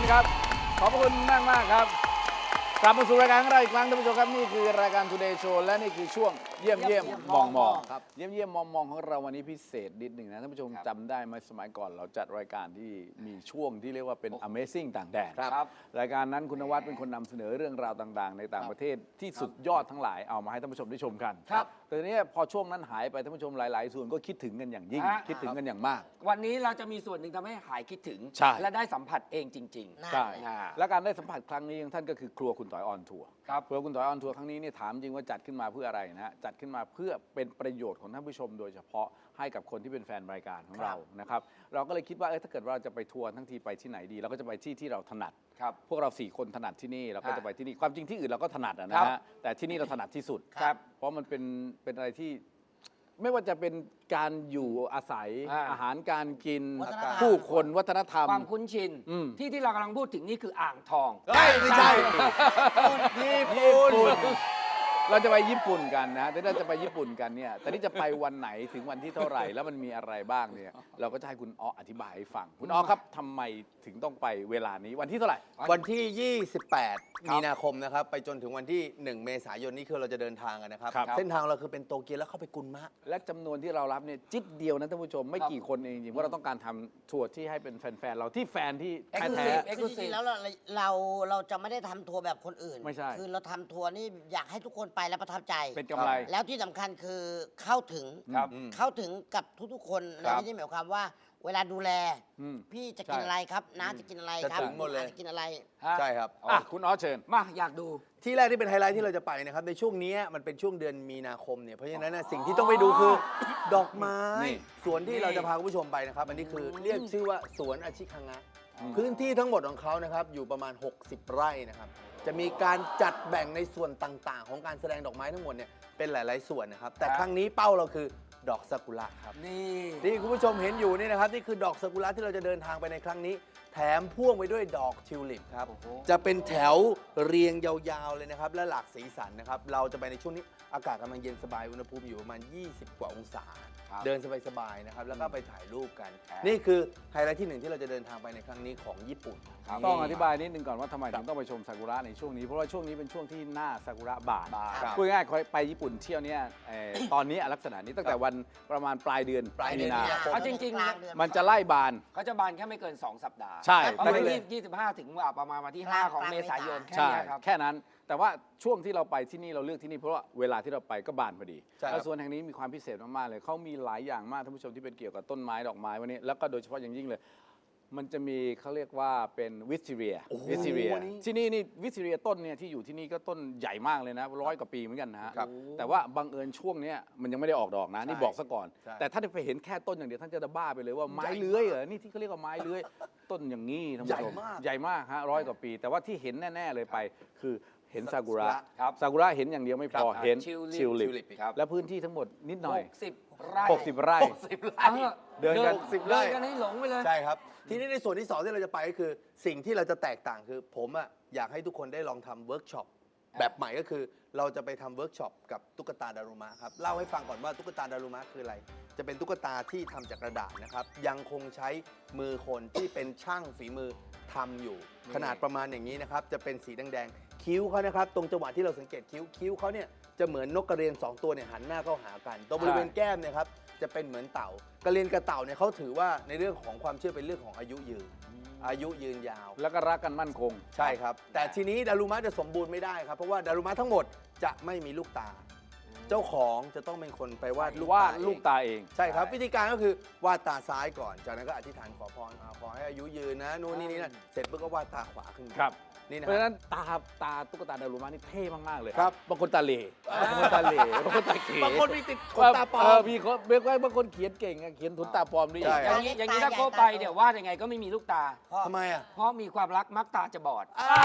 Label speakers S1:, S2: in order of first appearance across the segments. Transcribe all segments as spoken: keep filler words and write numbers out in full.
S1: ครับขอบคุณมากมากครับกลับมาสู่รายการของเราอีกครั้งท่านผู้ชมครับนี่คือรายการ Today Show และนี่คือช่วงเยี่ยมเยี่ยมมองมองครับเยี่ยมเยี่ยมมองมองของเราวันนี้พิเศษนิดหนึ่งนะท่านผู้ชมจำได้ไหมสมัยก่อนเราจัดรายการที่มีช่วงที่เรียกว่าเป็น Amazing ต่างแดนครับรายการนั้นคุณนวัดเป็นคนนำเสนอเรื่องราวต่างๆในต่างประเทศที่สุดยอดทั้งหลายเอามาให้ท่านผู้ชมได้ชมกันครับแต่ทีนี้พอช่วงนั้นหายไปท่านผู้ชมหลายๆส่วนก็คิดถึงกันอย่างยิ่งคิดถึงกันอย่างมาก
S2: วันนี้เราจะมีส่วนหนึ่งทำให้หายคิดถึงและได้สัมผัสเองจริงๆ
S1: ใช่และการได้สัมผัสครั้งนี้ของท่านก็คือครัวคุณต่อยออนทัวร์
S2: ครับ
S1: ครัวคุณต่อยออนทัวร์ครั้งนี้เนี่ยถามจริงว่าจัดขึ้นมาเพื่ออะไรนะฮะจัดขึ้นมาเพื่อเป็นประโยชน์ของท่านผู้ชมโดยเฉพาะให้กับคนที่เป็นแฟนรายการของเรานะครับเราก็เลยคิดว่าเออถ้าเกิดเราจะไปทัวร์ทั้งทีไปที่ไหนดีเราก็จะไปที่ที่เราถนัดพวกเราสี่คนถนัดที่นี่เราก็จะไปที่นี่ความจริงที่อื่นเราก็ถนัดนะฮะแต่ที่นี่เราถนัดที่สุดเพราะมันเป็นเป็นอะไรที่ไม่ว่าจะเป็นการอยู่อาศัยอาหารการกินผู้คนวัฒนธรรม
S2: ความคุ้นชินที่ที่เรากำลังพูดถึงนี่คืออ่างทอง
S1: ไม่ใช่ญี่ปุ่นเราจะไปญี่ปุ่นกันนะแต่เราจะไปญี่ปุ่นกันเนี่ยแต่นี่จะไปวันไหนถึงวันที่เท่าไหร่แล้วมันมีอะไรบ้างเนี่ยเราก็จะให้คุณอ้ออธิบายให้ฟังคุณอ้อครับทำไมถึงต้องไปเวลานี้วันที่เท่าไหร่
S3: วันที่ยี่สิบแปดมีนาคมนะครับไปจนถึงวันที่หนึ่งเมษายนนี้คือเราจะเดินทางกันนะครับเส้นทางเราคือเป็นโตเกียวแล้วเข้าไปกุนมะ
S1: และจำนวนที่เรารับเนี่ยจิ๊ดเดียวนะท่านผู้ชมไม่กี่คนเองจริงๆว่าเราต้องการทำทัวร์ที่ให้เป็นแฟนๆเราที่แฟนที่แท้ๆ
S4: คือจริงๆแล้วเราเราเราจะไม่ได้ทำทัวร์แบบคนอื่น
S1: ไม่ใช่
S4: คือเราทำทัวร์นี่อยากให้ทุกคนไปแล้วประทับใจ
S1: เป็นกำไร
S4: แล้วที่สำคัญคือเข้าถึงเข้าถึงกับทุกๆคนในที่นี้หมายความว่าเวลาดูแลพี่จะกินอะไรครับน้าจะกินอะไรครับ
S3: หมดเลย
S4: จะกินอะไร
S3: ใช่ครับ
S1: คุณอ้อเชิญ
S2: มาอยากดู
S3: ที่แรกที่เป็นไฮไลท์ที่เราจะไปนะครับในช่วงนี้มันเป็นช่วงเดือนมีนาคมเนี่ยเพราะฉะนั้นสิ่งที่ต้องไปดูคือดอกไม้สวนที่เราจะพาคุณผู้ชมไปนะครับอันนี้คือเรียกชื่อว่าสวนอาชิคังะพื้นที่ทั้งหมดของเขานะครับอยู่ประมาณหกสิบไร่นะครับจะมีการจัดแบ่งในส่วนต่างๆของการแสดงดอกไม้ทั้งหมดเนี่ยเป็นหลายๆส่วนนะครับแต่ครั้งนี้เป้าเราคือดอกซากุระครับ
S2: นี่
S3: ที่คุณผู้ชมเห็นอยู่นี่นะครับนี่คือดอกซากุระที่เราจะเดินทางไปในครั้งนี้แถมพ่วงไปด้วยดอกทิวลิปครับจะเป็นแถวเรียงยาวๆเลยนะครับและหลากสีสันนะครับเราจะไปในช่วงนี้อากาศกำลังเย็นสบายอุณหภูมิอยู่ประมาณยี่สิบกว่าองศาเดินสบายๆนะครับแล้วก็ไปถ่ายรูปกันนี่คือไฮไลท์ที่หนึ่งที่เราจะเดินทางไปในครั้งนี้ของญี่ปุ่น
S1: ต้องอธิบายนิดนึงก่อนว่าทำไมถึงต้องไปชมซากุระในช่วงนี้เพราะว่าช่วงนี้เป็นช่วงที่หน้าซากุระบานพูดง่ายๆไปญี่ปุ่นเที่ยวเนี่ยตอนนี้ลักษณะนี้ตั้งแต่วันประมาณปลายเดือน
S3: ปลายเดือน
S2: เอาจริงๆ
S1: มันจะไล่บาน
S2: เขาจะบานแค่ไม่เกินสองสัปดาห์
S1: ใช่
S2: ประมาณยี่สิบห้าถึงประมาณวันที่ห้าของเมษายนแค่นี้ครับ
S1: แค่นั้นแต่ว่าช่วงที่เราไปที่นี่เราเลือกที่นี่เพราะว่าเวลาที่เราไปก็บานพอดีแล้วส่วนแห่งนี้มีความพิเศษมากๆเลยเขามีหลายอย่างมากท่านผู้ชมที่เป็นเกี่ยวกับต้นไม้ดอกไม้วันนี้แล้วก็โดยเฉพาะอย่างยิ่งเลยมันจะมีเขาเรียกว่าเป็นวิสติเรียวิสติเรียที่นี่นี่วิสติเรียต้นเนี่ยที่อยู่ที่นี่ก็ต้นใหญ่มากเลยนะร้อยกว่าปีเหมือนกันนะฮะแต่ว่าบังเอิญช่วงนี้มันยังไม่ได้ออกดอกนะนี่บอกซะก่อนแต่ถ้าไปเห็นแค่ต้นอย่างเดียวท่านจะบ้าไปเลยว่าไม้เลื้อยเหรอนี่ที่เขาเรียกว่าไม้เลื้อยต้นอย่างนี้ท่านผู้ชมใหญ่มากฮะร้อยกว่าปีแต่ว่าที่เห็นแน่ๆเลยไปคือเห็นซากุระซากุระเห็นอย่างเดียวไม่พอเห็นชิลลิปและพื้นที่ทั้งหมดนิดหน่อย
S2: หกสิบไร่
S1: หกสิบไร่
S2: เดินกันสิบไร่กันให้หลงไปเลย
S3: ใช่ครับทีนี้ในส่วนที่สองที่เราจะไปก็คือสิ่งที่เราจะแตกต่างคือผมอ่ะอยากให้ทุกคนได้ลองทำเวิร์กช็อปแบบใหม่ก็คือเราจะไปทำเวิร์กช็อปกับตุ๊กตาดารุมะครับเล่าให้ฟังก่อนว่าตุ๊กตาดารุมะคืออะไรจะเป็นตุ๊กตาที่ทำจากกระดาษนะครับยังคงใช้มือคนที่เป็นช่างฝีมือทำอยู่ขนาดประมาณอย่างนี้นะครับจะเป็นสีแดงๆคิ้วเขานะครับตรงจังหวะที่เราสังเกตคิ้วคิ้วเขาเนี่ยจะเหมือนนกกระเรียนสองตัวเนี่ยหันหน้าเข้าหากันตรงบริเวณแก้มเนี่ยครับจะเป็นเหมือนเต่ากระเรียนกับเต่าเนี่ยเขาถือว่าในเรื่องของความเชื่อเป็นเรื่องของอายุยืนอายุยืนยาว
S1: แล้วก็รักกันมั่นคง
S3: ใช่ครับแต่ทีนี้ดารุมะจะสมบูรณ์ไม่ได้ครับเพราะว่าดารุมะทั้งหมดจะไม่มีลูกตาเจ้าของจะต้องเป็นคนไปวาดลูกตา
S1: ลูกตาเอง
S3: ใช่ครับวิธีการก็คือวาดตาซ้ายก่อนจากนั้นก็อธิษฐานขอพรขอให้อายุยืนนะนู่นนี่นี่นั่นเสร็จปุ๊บก็วาดตาขวาขึ้น
S1: ครับ
S3: นี่นะ
S1: เพราะฉะนั้นตาตาตุ๊กตาดารุมะนี่เท่มากๆเลย
S3: ครับ
S1: บางคนตาเหล่บางคนตาเหล่บางคนตาเข
S3: บางคนมีติดขนตาปลอม
S1: มีคนเรียกว่าบางคนเขียนเก่งเขียนขนตาปลอมด้วย
S2: อย่างนี้อย่างนี้ถ้าโคไปเดี๋ยววาดยังไงก็ไม่มีลูกตา
S3: ทำไมอ่ะ
S2: เพราะมีความรักมักตาจะบอด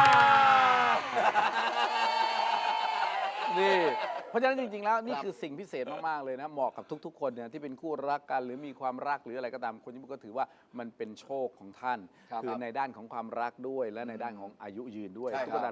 S1: นี่เพราะฉะนั้นจริงๆแล้วนี่คือสิ่งพิเศษมากๆเลยนะเหมาะกับทุกๆคนเนี่ยที่เป็นคู่รักกันหรือมีความรักหรืออะไรก็ตามคนญี่ปุ่นก็ถือว่ามันเป็นโชคของท่านคือในด้านของความรักด้วยและในด้านของอายุยืนด้วยตุ๊กตาดูว่า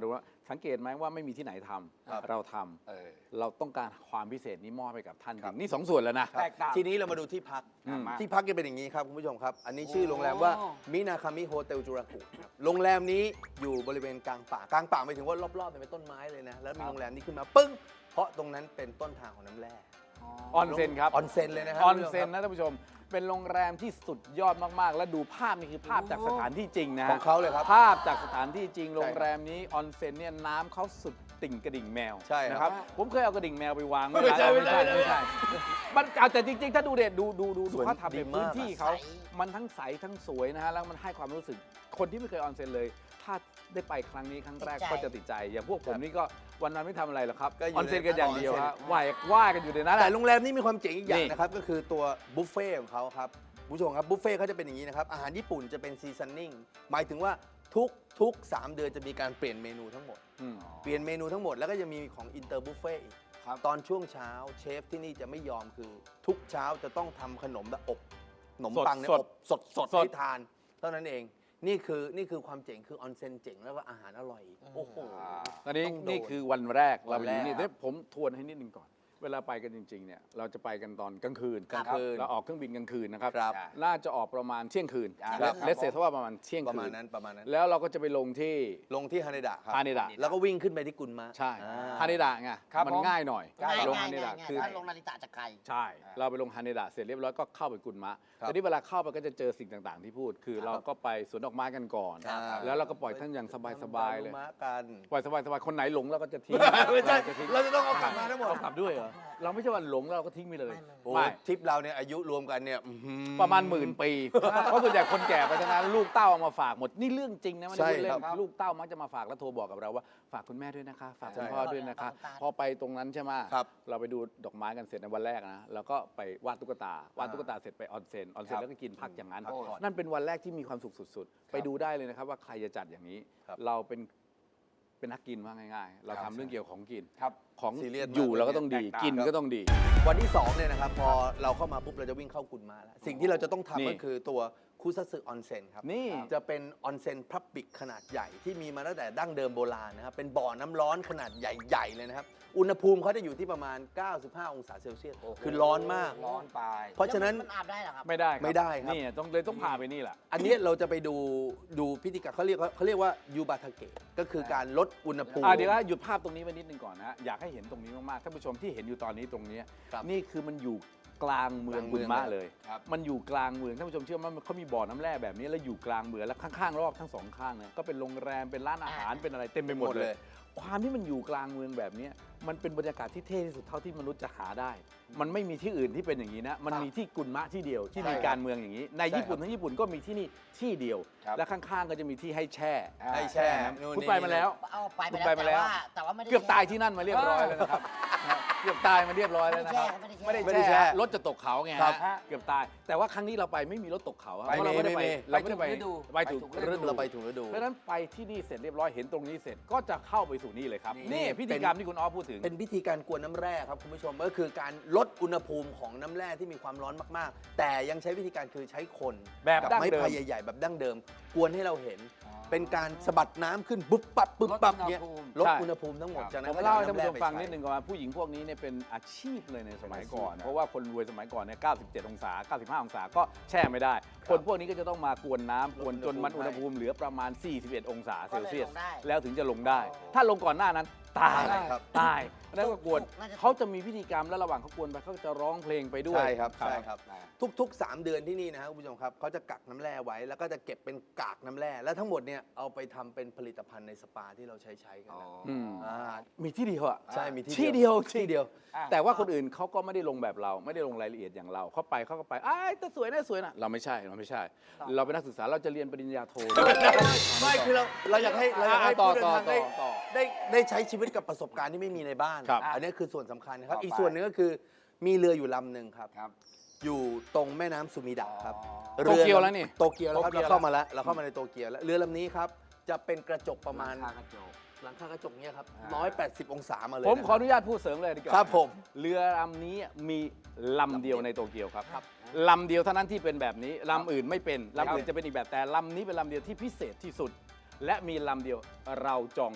S1: สังเกตไหมว่าไม่มีที่ไหนทำ
S3: ครับ
S1: เราทำ
S2: เออ
S1: เราต้องการความพิเศษนี้มอบให้กับท่านจ
S3: ครั
S1: ริ
S3: บ
S1: งนี่สองส่วนแล้วนะ
S2: แตกต่าง
S3: ทีนี้เรามาดูที่พัก
S1: อืม
S3: ที่พักจะเป็นอย่างนี้ครับคุณผู้ชมครับ อันนี้ชื่อโรงแรมว่ามินาคามิโฮเทลจูรากุครับโรงแรมนี้อยู่บริเวณกลางป่ากลางป่าหมายถึงว่ารอบๆเป็นต้นไม้เลยนะแล้วมีโรงแรมนี้ขึ้นมาปึ้งเพราะตรงนั้นเป็นต้นทางของน้ำแร่
S1: ออนเซ็นครับ
S3: ออนเซ็นเลยนะครั
S1: ออน
S3: คุณผู้ชม
S1: เซ็น
S3: ครับ
S1: นะท่านผู้ชม เป็นโรงแรมที่สุดยอดมากๆ และดูภาพนี่คือภาพจากสถานที่จริงนะฮะ
S3: ของเขาเลยครับ
S1: ภาพจากสถานที่จริง โรงแรมนี้ออนเซ็นเนี่ยน้ำเขาสุดติ่งกระดิ่งแมว
S3: ใช่ครับ
S1: นะครับ ผมเคยเอากระดิ่งแมวไปวาง
S3: ไม่ใช่
S1: ไม่ใช่
S3: ไม่
S1: ไม่
S3: ใช่
S1: ใช่มันเอาแต่จริงๆ ถ้าดูเด็ดดูดูดู
S3: ส
S1: ดู
S3: วย
S1: เขาทำ
S3: ดี
S1: เป็น
S3: มาก
S1: พื้นที่เขา
S4: ใส
S1: มันทั้งใสทั้งสวยนะฮะ แล้วมันให้ความรู้สึก คนที่ไม่เคยออนเซ็นเลย ถ้าได้ไปครั้งนี้ครั้งแรก
S4: ติดใจ
S1: ก็จะติดใจ อย่างพวกผมนี่ก็วันนั้นไม่ทำอะไรหรอกครับ
S3: ก็อยู่
S1: ออนเซ็นกันอย่างเดียว
S3: ใน
S1: ฮะ
S3: ออนเซ็น
S1: ว่ายว่ายกันอยู่ในนั้น
S3: แต่
S1: อะ
S3: โรงแรมนี้มีความเจ๋งอีกอย่า
S1: นี่
S3: งนะครับ ก็คือตัวบุฟเฟ่ของเขาครับคุณผู้ชมครับบุฟเฟ่เขาจะเป็นอย่างนี้นะครับ อาหารญี่ปุ่นจะเป็นซีซันนิ่งหมายถึงว่าทุกทุกสามเดือนจะมีการเปลี่ยนเมนูทั้งหมด
S1: อืม
S3: เปลี่ยนเมนูทั้งหมดแล้วก็จะมีของอินเตอร์บุฟเฟ่อีก
S2: ครับ
S3: ตอนช่วงเช้าเชฟที่นี่จะไม่ยอมคือ ทุกเช้าจะต้องทำขนมแบบอบขนมปังเนี่ย
S1: สด
S3: อบสดสด
S1: สด
S3: ให้ทานเท่านั้นเอง นี่คือนี่คือความเจ๋งคือออนเซ็นเจ๋งแล้วก็อาหารอร่อยอีกโอ้โห
S1: ตอนนี้
S3: ต้องโดน
S1: นี่คือวันแรกเราไป
S3: วันแร
S1: ดู
S3: ก
S1: นี่เดี๋ยวผมทวนให้นิดนึงก่อน เวลาไปกันจริงๆเนี่ยเราจะไปกันตอนกลางคืน
S3: กลางคืน
S1: เราออกเครื่องบินกลางคืนนะครับ
S3: ครับ
S1: น่าจะออกประมาณเที่ยงคืน
S2: ครับ
S1: เลสเซทว่าประมาณเที่ยง
S3: ประ
S1: คื
S3: มาณ
S1: น
S3: นั้นประมาณนั้น
S1: แล้วเราก็จะไปลงที่
S3: ลงที่ฮาเนดะครับ
S1: ฮาเนดะ
S3: แล้วก็วิ่งขึ้นไปที่กุนมะ
S1: ใช่
S3: อ่า
S1: ฮาเนดะไง
S2: ครับ
S1: มัน
S2: ผม
S1: ง่ายหน่อย
S4: ง่าย
S1: ลง
S4: ง่า
S1: ฮาย เน
S4: ง่า
S1: ดะ
S4: ยง่าย
S1: คือ
S4: ถ้าลงนาริตะจะไกล
S1: ใช่ เราไปลงฮาเนดะเสร็จเรียบร้อยก็เข้าไปกุนมะ
S3: ครับ
S1: แต่ที่เวลาเข้าไปก็จะเจอสิ่งต่างๆ ที่พูด คือเราก็ไปสวนดอกไม้กันก่อน
S3: ครับ
S1: แล้วเราก็ปล่อยท่านอย่างสบายๆเลย
S3: มะกัน
S1: ปล่อยสบายๆคนไหนหลงเราก็จะทิ้ง
S3: ไม่ใช่
S1: จะทิ้ง
S3: เราจะต้องเอากลับมาทั้งหมด
S1: เอากลับด้วยเหรอเราไม่ใช่ว่าหลงแล้วเราก็ทิ้งไปเลย
S3: โอ้
S1: ไม่
S3: ทริปเราเนี่ยอายุรวมกันเนี่ยอื้อหือ
S1: ประมาณหมื่นปี เพราะส่วนใหญ่คนแก่ไปทั้งนั้นลูกเต้าเอามาฝากหมด นี่เรื่องจริงนะไม่ได้พูดเล่
S3: ใช่
S1: น
S3: ครับ
S1: ลูกเต้ามักจะมาฝากแล้วโทรบอกกับเราว่าฝากคุณแม่ด้วยนะคะ ฝากคุณ
S3: ใช่
S1: พ่อด้วยนะคะ
S4: ครับ
S1: พอไปตรงนั้นใช่ไหม
S3: ครับ
S1: เราไปดูดอกไม้กันเสร็จในวันแรกนะแล้วก็ไปวาดตุ๊กตาวาดตุ๊กตาเสร็จไปออนเซ็นออนเซ็นแล้วก็กินพักอย่างนั้น
S3: พักผ่อน
S1: นั่นเป็นวันแรกที่มีความสุขสุดๆ ไปดูได้เลยนะครับว่าใครจะจัดอย่างนี้
S3: ครับ
S1: เราเป็นเป็นนักกินว่าง่าย ๆ เรา
S3: ครั
S1: ทำ
S3: บ
S1: เรื่องเกี่ยวกับของกิน
S2: ครับ
S1: ของ
S3: ซีเรียสมาก
S1: อยู่เราก็ต้องดี
S2: แตกต่าง
S1: กิน
S3: ครับ
S1: ก็ต้องดี
S3: วันที่สองเนี่ยนะครับพอเราเข้ามาปุ๊บเราจะวิ่งเข้ากุนมาแล้ว สิ่งที่เราจะต้อง
S1: นี่
S3: ทำก็คือตัวคุซัตสึออนเซ็นครับ
S1: นี่
S3: จะเป็นออนเซ็นพับบิกขนาดใหญ่ที่มีมาตั้งแต่ดั้งเดิมโบราณนะครับเป็นบ่อน้ำร้อนขนาดใหญ่ๆเลยนะครับอุณหภูมิเขาจะอยู่ที่ประมาณ เก้าสิบห้า องศาเซลเซียสคือร้อนมาก
S2: ร้อนไป
S3: เพราะฉะนั้น
S4: มันอาบได้เหรอครับ
S1: ไม่ได้ครับ
S3: ไม่ได้ครับ
S1: นี่ต้องเลยต้องพาไปนี่แหละ
S3: อันนี้เราจะไปดูดูพิธีการเขาเรียกเขาเรียกว่ายูบาทาเกะก็คือการลดอุณหภูมิ
S1: อ่ะเดี๋ยวนะหยุดภาพตรงนี้ไว้นิดนึงก่อนนะฮะอยากให้เห็นตรงนี้มากๆท่านผู้ชมที่เห็นอยู่ตอนนี้ตรงนี้
S3: ครับ
S1: นี่คือมันอยู่กลางเมือง
S3: กลาง
S1: บุ
S3: เมื
S1: ญ
S3: อง
S1: มะ
S3: เลย
S1: เลย
S2: ครับ
S1: มันอยู่กลางเมืองท่านผู้ชมเชื่อไหมมันเขามีบ่อน้ำแร่แบบนี้แล้วอยู่กลางเมืองแล้วข้างๆรอบทั้งสองข้างเนี่ยก็เป็นโรงแรมเป็นร้านอาหารเป็นอะไรเต็มไปหมด
S3: หมด
S1: เล
S3: เลย ย
S1: ความที่มันอยู่กลางเมืองแบบนี้มันเป็นบรรยากาศที่เท่ที่สุดเท่าที่มนุษย์จะหาได้ มันไม่มีที่อื่นที่เป็นอย่างนี้นะมันมีที่กุนมะที่เดียวที่มีการเมืองอย่างนี้ ในญี่ปุ่นทั้งญี่ปุ่นก็มีที่นี่ที่เดียว
S2: ครับ
S1: และข้างๆก็จะมีที่ให้แช่
S3: ให้แช่
S1: น้ำ
S3: นู่น
S1: คุณ
S3: นี่
S1: ไปมาแล้ว
S4: เอาไป
S1: คุณ
S4: ไป
S1: ไป
S4: แล้ว
S1: มา
S4: แต่
S1: แล้ว
S4: ว่าแต่ว่าไม่ได้
S1: เกือบตายที่นั่นมาเรียบร้อยแล้วนะครับนะเกือบตายมาเรียบร้อยแล้วนะครับ
S4: ไม่ได้แช่
S3: ไม่ได้แช่
S1: รถจะตกเขาไง
S3: ครั
S1: ฮะ
S3: บ
S1: เกือบตาย แต่ว่าครั้งนี้เราไปไม่มีรถตกเขาครับ
S3: ไม่
S1: เพราะเราไม่ได้
S3: มี
S1: ไป
S3: ไม่มี
S1: เราไม่ได้ไป
S2: ไปถูกฤดู
S1: ไปถูก
S2: ไปถูกฤ
S1: ฤ
S2: ดู
S1: ดู
S3: เราไปถูกฤดู
S1: เพราะฉะนั้นไปที่นี่เสร็จเรียบร้อยเห็นตรงนี้เสร็จก็จะเข้าไปสู่นี่เลยครับ
S2: นี่
S1: นี่พิธีกรรมที่คุณอ้อพูดถึง
S3: เป็นพิธีการกวนน้ำแร่ครับคุณผู้ชมก็คือการลดอุณหภูมิของน้ำแร่ที่มีความร้อนมากๆ แต่ยังใช้วิธีการคือใช้คน
S1: แบบ
S3: กั
S1: ดั้ง
S3: ไม้
S1: เดิม
S3: พายใหญ่ๆแบบดั้งเดิม กวนให้เราเห็น
S2: อ๋อ
S3: เป็นการสะบัดน้ำขึ้นปุ๊บปั๊บปุ๊บปั๊บ
S2: ลดอุณห
S3: เนี่ย
S2: ภูมิ
S3: ลด
S1: ใช่
S3: อุณหภูมิทั้งหมด
S2: ครับ
S3: จากนั้
S1: ผ
S3: น
S1: ม
S3: ก็จะ
S1: เล่า
S3: อ
S1: ให้ท่านผู้ชม
S3: ำแร่
S1: ฟัง
S3: ไป
S1: นิด
S3: ใช้
S1: นึงก่อนว่าผู้หญิงพวกนี้เนี่ยเป็นอาชีพเลยในสมัยก่อน
S2: อาชีพนะ
S1: เพราะว่าคนรวยสมัยก่อนเนี่ยเก้าสิบเจ็ดองศาเก้าสิบห้าองศาก็แช่ไม่ได้ คนพวกนี้ก็จะต้องมากวนน้ำกวนจนมันอุณหภูมิเหลือประมาณ สี่สิบเอ็ด องศาเซลเซียส
S4: ก็เลยลงได้
S1: แล้วถึงจะลงได้ ถ้าลงก่อนหน้านั้นตาย
S3: ใช่ครับ
S1: ตายแล้วก็กวน
S4: น่าจะ
S1: เขาจะมีพิธีกรรมแล้วระหว่างเขากวนไปเขาจะร้องเพลงไปด้วย
S3: ใช่ครับใช่ครับ
S2: อ่า
S3: ทุกๆ สาม เดือนที่นี่นะครับคุณผู้ชมครับเขาจะกักน้ำแร่ไว้แล้วก็จะเก็บเป็นกากน้ำแร่และทั้งหมดเนี่ยเอาไปทำเป็นผลิตภัณฑ์ในสปาที่เราใช้ใช้กัน
S2: อ๋อ
S3: นะ
S1: อืม
S3: อ่า
S1: มีที่เดียวอะ
S3: ใช่มี
S1: ที่เดียว
S3: ที่เดียว
S2: อ่ะ
S1: แต่ว่าคนอื่นเขาก็ไม่ได้ลงแบบเราไม่ได้ลงรายละเอียดอย่างเราเขาไปเขาก็ไปอ้ายแต่สวยนะสวยนะเราไม่ใช่เราไม่ใช่ เราเป็นนักศึกษาเราจะเรียนปริญญาโท
S3: ไม่คือเราเราอยากให้เราอยากให้
S1: ต่อ
S3: ผู้เดิน
S1: ต่อ
S3: ทางได้
S1: ต่อต่อ
S3: ได้ได้ใช้ชีวิตกับประสบการณ์ที่ไม่มีในบ้าน
S1: ครับ
S3: อันนี้คือส่วนสำคัญนะครับ
S2: ต่อไป
S3: อีกส่วนหนึงก็คือมีเรืออยู่ลำหนึ่งครับ
S2: ครับ
S3: อยู่ตรงแม่น้ำซูมิดะครับ
S2: อ๋อ
S1: โตเกียวแล้วนี่
S3: โตเกียวแล้วครับ
S1: โตเกียว
S3: เราเข้ามาแล้วเราเข้ามาในโตเกียวแล้วเรือลำนี้ครับจะเป็นกระจกประมาณ
S2: หลังคากระจก
S3: หลังคากระจกเนี่ยครับ
S2: อ่า
S3: ร้อยแปดสิบองศามาเลย
S1: ผมขออ
S3: นะ
S1: นุญาตพูดเสริมเลยดีกว่า
S3: ครับผม
S1: เรือลำนี้มีลำเดียวในโตเกียวครับ
S3: ครับ
S1: ลำเดียวเท่านั้นที่เป็นแบบนี้ลำอื่นไม่เป็นลำอื่นจะเป็นอีกแบบแต่ลำนี้เป็นลำเดียวที่พิเศษที่สุด และมีลำเดียวเราจองได้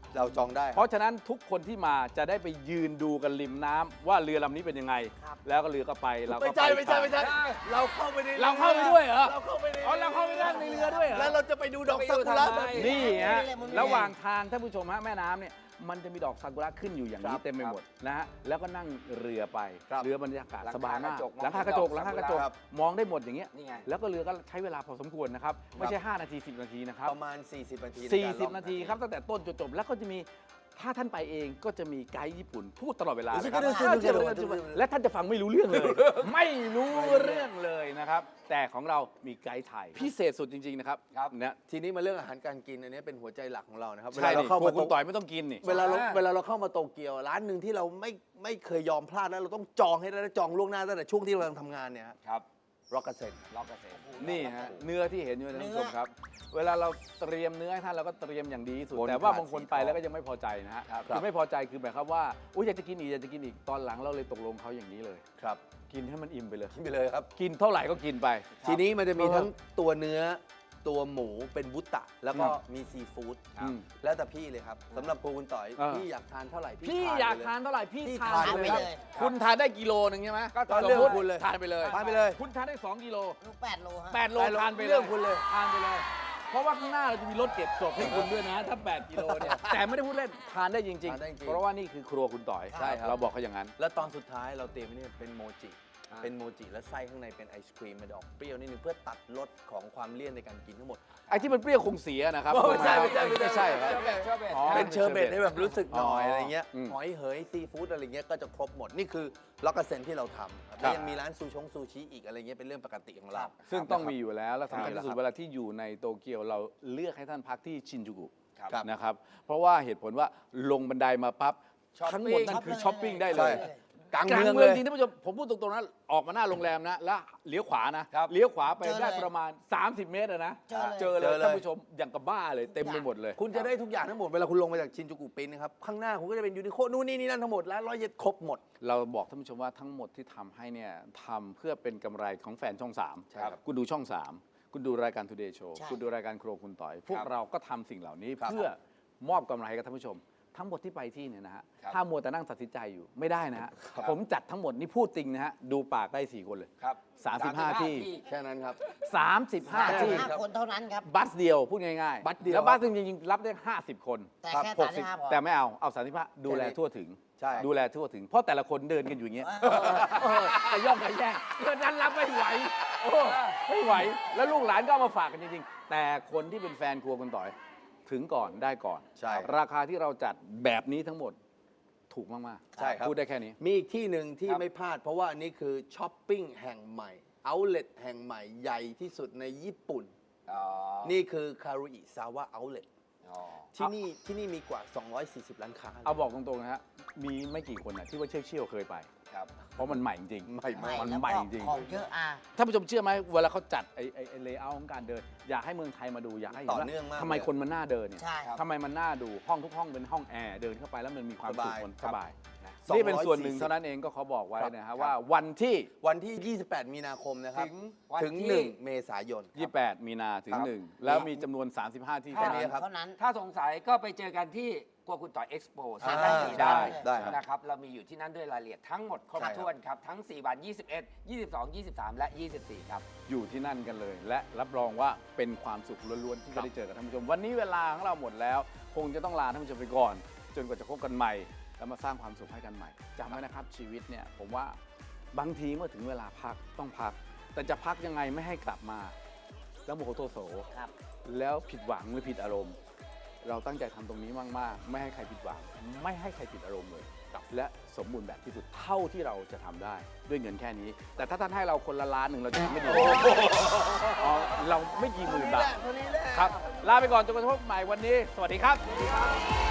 S3: เราจองได้ค
S1: เพ
S3: รับ
S1: ราะฉะนั้นทุกคนที่มาจะได้ไปยืนดูกันริมน้ำว่าเรือลำนี้เป็นยังไง
S4: ครับ
S1: แล้วก็เรือก็ไปเราก็
S3: ไม่ใช่
S1: ป
S3: ไม่ใช่ไม่ใช่
S1: ตาม
S3: เราเข้าไปใน
S1: เราเข้าไปด้วยเหรอ
S3: เราเข้าไปใน
S1: อ๋อเราเข้าไปนั่งในเรือด้วยเหรอ
S3: แล้วเราจะไปดูดอกซากุระ
S2: ไปดูทำไม
S1: นี่ฮะ
S4: ไม่ได้
S1: ระหว่างทางท่านผู้ชมฮะแม่น้ำเนี่ยมันจะมีดอกซากุระขึ้นอยู่อย่างนี้
S3: ครับ
S1: เต็มไปหมดนะฮะแล้วก็นั่งเรือไป
S3: ครับ
S1: เรือบรรยากาศ
S2: หลังคา
S1: สบายมาก
S2: กระจก
S1: หลังคากระจก
S2: มอง
S1: หลังคากระจก
S3: ครับ
S1: มองได้หมดอย่างเงี้ย
S2: นี่ไง
S1: แล้วก็เรือก็ใช้เวลาพอสมควรนะครับไม่ใช่ห้านาทีสิบนาทีนะครับ
S3: ประมาณ สี่สิบ นาทีในการล่อง
S1: 40 นาทีครับตั้งแต่ต้นจนจบแล้วก็จะมีถ้าท่านไปเองก็จะมีไกด์ญี่ปุ่นพูดตลอดเวลา
S3: เดี๋ยว
S1: นะครับ
S3: เดี๋ยวเดี๋ยวเดี๋ยวเดี๋ยวเดี๋ยว
S1: และท่านจะฟังไม่รู้เรื่องเลย ไม่รู้เรื่องเลยนะครับ แต่ของเรามีไกด์ไทยพิเศษสุดจริงๆนะครับ
S2: ครับ
S1: นะ
S3: ทีนี้มาเรื่องอาหารการกินอันนี้เป็นหัวใจหลักของเรานะครับ
S1: ใช่
S3: เวลาเรา
S1: ดิ
S3: เข้า
S1: พว
S3: มาก
S1: คุณ
S3: โต
S1: ต่อยไม่ต้องกินนี่
S3: เวลาเรา
S2: ใช่
S3: เวลาเราเข้ามาโตเกียวร้านหนึ่งที่เราไม่ไม่เคยยอมพลาดแล้วเราต้องจองให้ได้และจองล่วงหน้าตั้งแต่ช่วงที่เรากำลังทำงานเนี่ย
S2: ครับ
S3: ร็อกเกอร์เซน
S2: ล็อกเกษตร
S1: นี่ฮะเนื้อที่เห็นอยู่นะท่านผู้ชม
S4: เนื้อ
S1: ครับ เวลาเราเตรียมเนื้อให้ท่านเราก็เตรียมอย่างดีที่สุด
S3: บน
S1: แต่ว่า
S3: ถาด
S1: บางคน
S3: สี
S1: ไป
S3: ทอง
S1: แล้วก็ยังไม่พอใจนะฮะ
S3: ครับ
S1: คือไม่พอใจคือหมายความว่าอุ้ยอยากจะกินอีกอยากจะกินอีกตอนหลังเราเลยตกลงเขาอย่างนี้เลย
S3: ครับ
S1: กินให้มันอิ่มไปเลย
S3: กินไปเลยครับ
S1: กินเท่าไหร่ก็กินไป
S3: ทีนี้มันจะมี
S1: เออ
S3: ทั้งตัวเนื้อตัวหมูเป็นบุตตะ แล้วก็
S1: ครับ
S3: มีซีฟู้ด
S1: อืม
S3: แล้วแต่พี่เลยครับสำหรับครัวคุณต่อย
S1: เออ
S3: พี่อยากทานเท่าไหร่
S1: พี่
S3: ท
S1: อยาก
S3: ไปเล
S1: ทานเท่าไหร่พี่
S3: พี่
S1: ทา
S3: ทาน
S1: น
S3: ไป
S1: ไป
S3: เล
S1: เลย ยคุณทานได้กิโลหนึ่งใช่ไหม
S3: ก็
S1: สม
S3: เรื่อง
S1: มุ
S3: ข
S1: ติ
S3: องคุณเลย
S1: ทานไปเลย
S3: ทานไปเลย
S1: คุณทานได้สองกิโล
S4: ลูกแปดโลฮะ
S1: แปดโล
S3: แปดโล
S1: ทานไปเลย
S3: เรื่องคุณเลย
S1: ทานไปเลย เพราะว่าข้างหน้าเราจะมีรถเก็บศพให้คุณด้วยนะ ถ้า แปด กิโลเนี่ย แต่ไม่ได้พูดเล่น ทานได้จริง
S3: ทานได้จริง
S1: ๆ เพราะว่านี่คือครัวคุณต่อย
S3: ใช่ครับ
S1: เราบอกเขาอย่างนั้น
S3: แล้วตอนสุดท้ายเราเตรียมไว้เนี่ยเป็นโมจิ
S2: อ่า
S3: เป็นโมจิแล้วไส้ข้างในเป็นไอศครีมมันจะออกเปรี้ยวนิดนึงเพื่อตัดรสของความเลี่ยนในการกินทั้งหมด
S1: ไอ้ที่มันเปรี้ยวคงเสียนะครับ
S3: ไม่ใช่ไม่ใช่ไม่ใช่
S1: ไม่ใช่ครับ
S2: เชอร์เบตเชอร์เบต
S1: อ๋อ
S3: เป็นเชอร์เบตให้แบบรู้สึกหน่อย
S1: อ๋ออ
S3: อะไรเงี้ย
S1: อืม
S3: หอยเหยซีฟู้ดอะไรเงี้ยก็จะครบหมด นี่คือล็อกเกอร์เซนที่เราทำครับแล้วยังมีร้านซูชงซูชิอีกอะไรเงี้ยเป็นเรื่องปกติของเรา
S1: ซึ่งต้องมีอยู่แล้ว และสำคัญ
S3: ใช่
S1: ที่สุด
S3: ครับ
S1: เวลาที่อยู่ในโตเกียวเราเลือกให้ท่านพักที่ชินจูกุ
S3: ครับ
S1: นะครับ เพราะว่าเหตุผลว่าลงบันไดมาปั๊บ
S2: ช้อปปิ้ง
S1: ทั้งหมดนั่นคือช้อปปิ้งได้เล
S3: ใช่
S1: ย
S3: กลาง
S1: กลาง
S3: เมือง
S1: เมื
S3: เล
S1: อง
S3: ย
S1: จริงท่านผู้ชมผมพูดตรงๆนะออกมาหน้าโรงแรมนะ แล้วเลี้ยวขวานะ
S2: ครับ
S1: เลี้ยวขวาไป
S4: เจอเลย
S1: ได้ประมาณ สามสิบ เมตรอะนะ
S4: เจอเลย
S1: เจอเลย
S3: เจอเลย
S1: ท่านผู้ชมอย่างกับบ้าเลยเต็มไปหมดเลย
S3: คุณจะได้ทุกอย่างทั้งหมดเวลาคุณลงมาจากชินจูกุปินนะครับข้างหน้าคุณก็จะเป็นยูนิโคนู่นนี่นี่นั่นทั้งหมดแล้วร้อยเย็ดครบหมด
S1: เราบอกท่านผู้ชมว่าทั้งหมดที่ทำให้เนี่ยทำเพื่อเป็นกำไรของแฟนช่องสาม
S3: ใช่ครับ
S1: คุณดูช่องสามคุณดูรายการ Today Show
S4: ใช่
S1: คุณดูรายการครัวคุณต่อย พวก
S2: ครับ
S1: เราก็ทำสิ่งเหล่านี้
S3: ครับ
S1: เพื่อมอบกำไรให้กับท่านผู้ชม ทั้งหมดที่ไปที่เนี่ยนะฮะ
S2: ครับ
S1: ถ้ามัวแต่นั่งตัดสินใจอยู่ไม่ได้นะฮะ
S2: ครับ
S1: ผมจัดทั้งหมดนี่พูดจริงนะฮะดูปากได้สี่คนเลย
S2: ครับ
S1: สามสิบห้าที่
S3: แค่นั้นครับ
S1: สามสิบห้า
S3: ใช่
S1: ที่
S4: ห้าคนเท่านั้นครับ
S1: บัสเดียวพูดง่ายๆ
S3: บัสเดียว
S1: แล้วบัสจริงๆรับได้ห้าสิบคน
S4: แต่
S3: ครับ
S4: แค่
S1: ห
S4: สาก ม
S1: สิ
S4: สิ
S1: บบ
S4: ห้าพอ
S1: แต่ไม่เอาเอาสามสิบห้าดูแลทั่วถึง
S3: ใช่
S1: ดูแลทั่วถึง เพราะแต่ละคนเดินกันอยู่อย่างเงี้ย
S4: เออ
S1: เออแต่ย่องกันแย่งเดินนั้นรับไม่ไหวโอ้ไม่ไหว แล้วลูกหลานก็เอามาฝากกันจริงๆ แต่คนที่เป็นแฟนครัวคุณต่อย ถึงก่อนได้ก่อน
S3: ใช่
S1: ราคาที่เราจัดแบบนี้ทั้งหมดถูกมากๆ
S3: ใช่ครับ
S1: พูดได้แค่นี้
S3: มีอีกที่หนึ่งที่
S2: ครับ
S3: ไม่พลาด เพราะว่าอันนี้คือช้อปปิ้งแห่งใหม่เอาเล t แห่งใหม่ใหญ่ที่สุดในญี่ปุ่น
S2: อ๋อ
S3: นี่คือคารุอิซาวะเอาเล t
S2: อ๋อ
S3: ที่นี่ที่นี่มีกว่า สองร้อยสี่สิบ ร้านค้า
S1: เอาบอกตรงๆนะฮะมีไม่กี่คนนะที่ว่าเชี่ยวๆเคยไป
S2: ครับ
S1: เพราะมันใหม่จริง
S3: ใหม่
S4: ใหม่
S1: มัน
S4: แล้ว
S1: ใหม่
S4: ก็
S1: จริง
S4: ของเยอะอ่ะ
S1: ท่านผู้ชมเชื่อไหมเวลาเขาจัดไอ้ไอ้ไอ้เลเยอร์ของการเดิน อยากให้เมืองไทยมาดูอยากให้ห็
S3: ต่อ
S1: ว่า
S3: เนื่องมาก
S1: ทำไม
S3: เลย
S1: คนมันน่าเดินเนี่ย
S4: ใช่ครับ
S1: ทำไมมันน่าดูห้องทุกห้องเป็นห้องแอร์เดินเข้าไปแล้วมันมีความ
S3: ส
S1: สุข
S3: บาย
S1: มัน
S3: ค
S1: ส
S3: รับ
S1: บาย
S3: สองร้อย
S1: นี่เป็นส่วนหนึ่ง
S3: สี่สิบ
S1: เท่านั้นเองก็เขาบอกไว้
S3: ครับ
S1: นะฮะว่าวันที่
S3: วันที่ ยี่สิบแปด มีนาคมนะครับ
S2: ถึงวัน
S3: ถึง
S2: ที่
S3: หนึ่ง เมษายน
S1: ยี่สิบแปด มีนาถึง
S3: ครับ
S1: หนึ่งแล้วมีจำนวน สามสิบห้า ที่
S3: แค่
S1: เท่า
S3: นี้
S1: นั้น
S3: ครับ
S4: เท่านั้น
S2: ถ้าสงสัยก็ไปเจอกันที่กัวคุณต่อยเอ็กซ์โป
S3: อ่า
S2: ได้
S1: ใช่
S3: ได้ครับ
S2: นะครับ เรามีอยู่ที่นั่นด้วยรายละเอียดทั้งหมดครบ
S3: ใช่ครับ
S2: ถ้วนครับ ทั้ง สี่ วัน ยี่สิบเอ็ด ยี่สิบสอง ยี่สิบสาม และ ยี่สิบสี่ ครับ
S1: อยู่ที่นั่นกันเลย และรับรองว่าเป็นความสุขล้วนๆที่จะได้เจอกับท่านผู้ชม วันนี้เวลาของเราหมดแล้ว คงจะต้องลาท่านผู้ชมไปก่อน จนกว่าจะพบกันใหม่ แล้วมาสร้างความสุขให้กันใหม่จำไว้นะครับชีวิตเนี่ยผมว่าบางทีเมื่อถึงเวลาพักต้องพัก แต่จะพักยังไงไม่ให้กลับมา แล้วโมโหโทโส
S4: ครับ
S1: แล้วผิดหวังหรือผิดอารมณ์ เราตั้งใจทำตรงนี้มากๆ ไม่ให้ใครผิดหวัง ไม่ให้ใครผิดอารมณ์เลยและสมบูรณ์แบบที่สุดเท่าที่เราจะทำได้ด้วยเงินแค่นี้ แต่ถ้าท่านให้เราคนละล้านหนึ่งเราจะทำไม่ดีอ๋อเราไม่กี่หมื่นบาทครับ ลาไปก่อนจนกระทั่งพบใหม่วันนี้ สวัสดีครับ